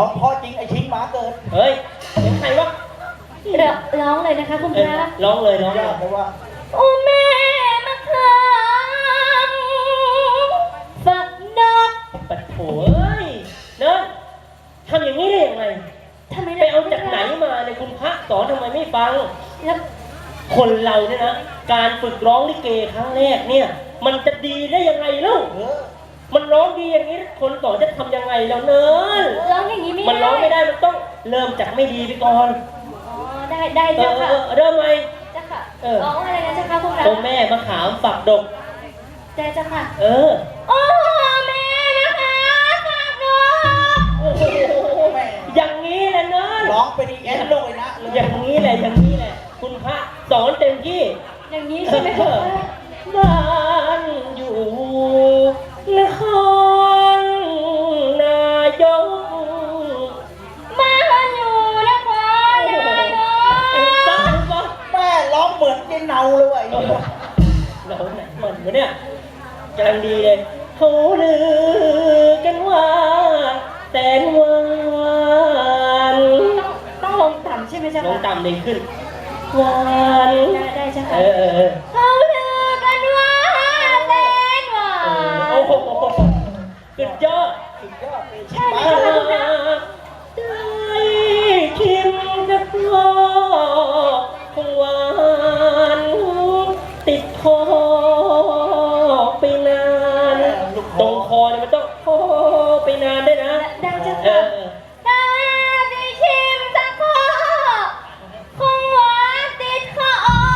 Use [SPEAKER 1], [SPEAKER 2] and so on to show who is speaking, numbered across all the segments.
[SPEAKER 1] องพ่อจริงไอชิงหมาเกิด
[SPEAKER 2] เฮ้ยเสียงใครวะ
[SPEAKER 3] ร้องเลยนะคะคุณพระ
[SPEAKER 2] ร้องเลยร้องเลย
[SPEAKER 1] เพราะว่า
[SPEAKER 3] โอ้แม่มาค้างฝักดอก
[SPEAKER 2] ปัดโถเอ้ยเนินทำอย่างนี้ได้ยังไง
[SPEAKER 3] ทำไม
[SPEAKER 2] ไปเอาจากไหนมาเนี่ยคุณพระสอนทำไมไม่ฟัง
[SPEAKER 3] แล้ว
[SPEAKER 2] คนเราเนี่ยนะการฝึกร้องลิเกครั้งแรกเนี่ยมันจะดีได้ยังไงลูกมันร้องดีอย่างนี้คนสอนจะทำยังไงแล้วเนิน
[SPEAKER 3] ร้องอย่างนี้ไม่ได้
[SPEAKER 2] มันร้องไม่ได้มันต้องเริ่มจากไม่ดีไปก่อน
[SPEAKER 3] ได้เจ้าค่ะ
[SPEAKER 2] เริ่มไหม
[SPEAKER 3] เจ้าค่ะร้องอะไรนะเจ้าค่ะพวกเรา
[SPEAKER 2] ตัวแม่มะขามฝักดก
[SPEAKER 3] ได้เจ้าค่ะ
[SPEAKER 2] โอ้
[SPEAKER 3] แม่นะคะฝักดก
[SPEAKER 2] อย่างนี้แหละเนิน
[SPEAKER 1] ร้องไปดีแอนโลยนะ
[SPEAKER 2] อย่างนี้แหละคุณพระสอนเต็มที่
[SPEAKER 3] อย่างนี้ใช่ไหมคะ
[SPEAKER 2] บ้านอยู่นครนายก
[SPEAKER 3] บ้านอยู่นครนายก
[SPEAKER 1] แม่ร้องเหมือนเจนเนาเลยว่ะ
[SPEAKER 2] เราไหนเหมือนเนี่ยกำลังดีเลยเขาลือกันว่าแสนหวาน
[SPEAKER 3] ต้องลงต่ำใช่ไหมจ๊ะ
[SPEAKER 2] ลงต่ำเลยขึ้นหวาน
[SPEAKER 3] ได้ใช่ไหม
[SPEAKER 2] เขา
[SPEAKER 3] ลือกันว่าแสนหวาน
[SPEAKER 2] โอ้โหสุดยอด
[SPEAKER 3] ใช่ไหมจ๊ะคุณนะ
[SPEAKER 2] ได้ชิมกับพ่อคงหวานติดคอไปนานตรงคอเนี่ยมันต้องคอไปนานได้นะ
[SPEAKER 3] ได้จ้ะค่ะได้ชิมสักคอคงหวานติดคอ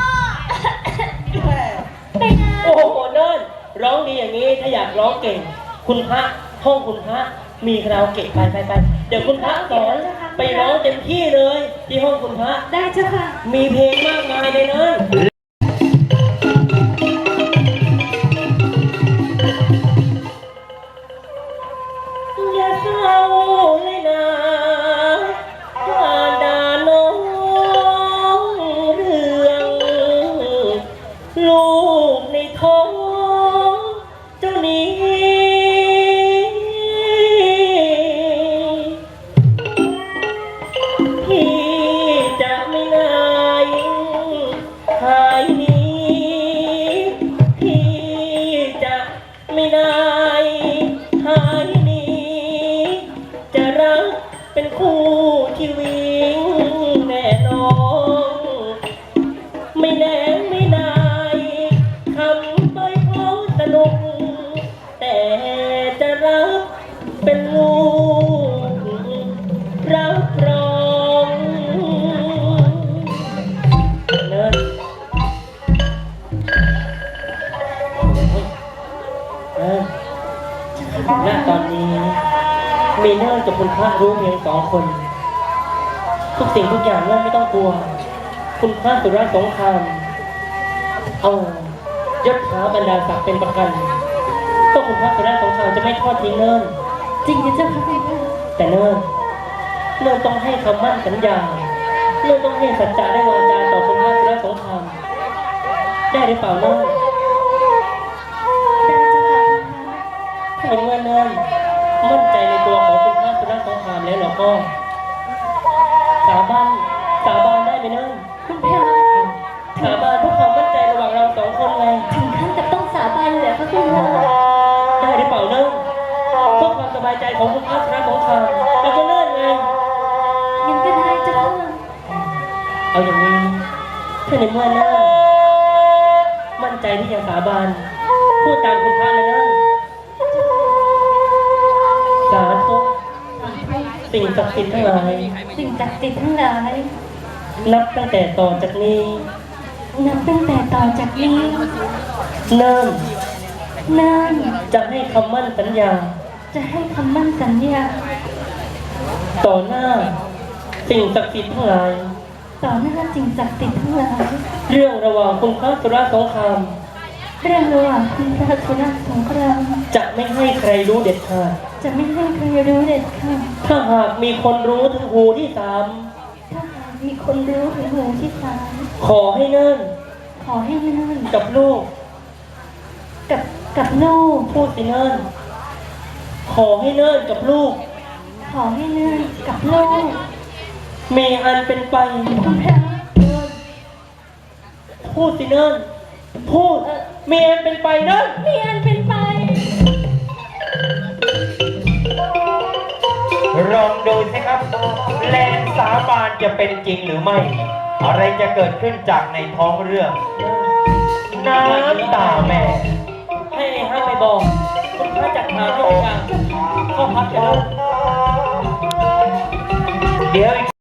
[SPEAKER 3] ไปนาน
[SPEAKER 2] โอ้โหเนิ่นร้องดีอย่างนี้ถ้าอยากร้องเก่งคุณพระห้องคุณพระมีคาราโอเกะไปเดี๋ยวคุณพระสอนไปร้องเต็มที่เลยที่ห้องคุณพระ
[SPEAKER 3] ได้จ้ะค่ะ
[SPEAKER 2] มีเพลงมากมายเลยเนิ่นอย่าเศร้าเลยนะว่าด่าน้องเรื่องลูกในท้องเจ้านี้พี่จะไม่นายหายนี้พี่จะไม่นายหายนี้จะรักเป็นคู่ชีวิตแน่นอนไม่แน่ไม่นายทำไปเพราะสนุกแต่จะรักเป็นลูกรับรองเนินณตอนนี้มีเนิ่นกับคุณพระรู้เพียง2 คนทุกสิ่งทุกอย่างเนิ่นไม่ต้องกลัวคุณพระสุรสงครามเอายศถาบรรดาศักดิ์เป็นประกันก็คุณพระสุรสงครามจะไม่ทอดทิ้งเนิ่น
[SPEAKER 3] จริงนะเจ้าค่ะ
[SPEAKER 2] แต่เนิ่นต้องให้คำมั่นสัญญาเนิ่นต้องให้สัจจะได้วางจาต่อคุณพระสุรสงครามได้หรือเปล่าเนิ่น
[SPEAKER 3] ได้เจ้าค่ะ
[SPEAKER 2] ถ้าเมื่อเนิ่นมั่นใจในตัวของคุณพระสุรสงครามแล้วเราก็สาบานได้ไหมเนิ่น
[SPEAKER 3] คุณพระ
[SPEAKER 2] สาบานเพื่อความมั่นใจระหว่างเรา2 คนไง
[SPEAKER 3] ถึงขั้นกับต้องสาบานเลยเหรอคะคุณพระ
[SPEAKER 2] ได้หรือเปล่าเนิ่นเพื่อความสบายใจของคุณพระสุรสงครามแล้วก็เนิ่นไง
[SPEAKER 3] ยังก็ได้เจ้าค่ะ
[SPEAKER 2] เอาอย่างนี้ถ้าในเมื่อเนิ่นมั่นใจที่จะสาบานพูดตามคุณพระเลยเนิ่นสาธุสิ่งศักดิ์สิทธิ์ทั้งหลาย
[SPEAKER 3] สิ่งศักดิ์สิทธิ์ทั้งหลาย
[SPEAKER 2] นับตั้งแต่ต่อจากนี้
[SPEAKER 3] เนิ่น
[SPEAKER 2] จะให้คำมั่นสัญญาต่อหน้าสิ่งศักดิ์สิทธิ์ทั้งหลายเรื่องระหว่างคุณพระสุรสงครามจะไม่ให้ใครรู้เด็ดขาดถ้าหากมีคนรู้ถึงหูที่ 3ขอให้เนิ่นกับลูกพูดสิเนิ่นขอให้เนิ่นกับลูก
[SPEAKER 3] ขอให้เนื่อนกับลูก
[SPEAKER 2] มีอันเป็นไป
[SPEAKER 3] คุณพระ
[SPEAKER 2] พูดสิเนิ่นพูดมีอันเป็นไปเนิ่น
[SPEAKER 3] มีอันเป็นไป
[SPEAKER 4] ลองดูสิครับ แรงสาบานจะเป็นจริงหรือไม่ อะไรจะเกิดขึ้นจากในท้องเรื่อง น้ำตาแม่
[SPEAKER 2] ให้ห้ามไปบอกคุณพระจัดหาให้ทุกอย่างเข้าพักกันแล้ว
[SPEAKER 4] เดี๋ยวอีก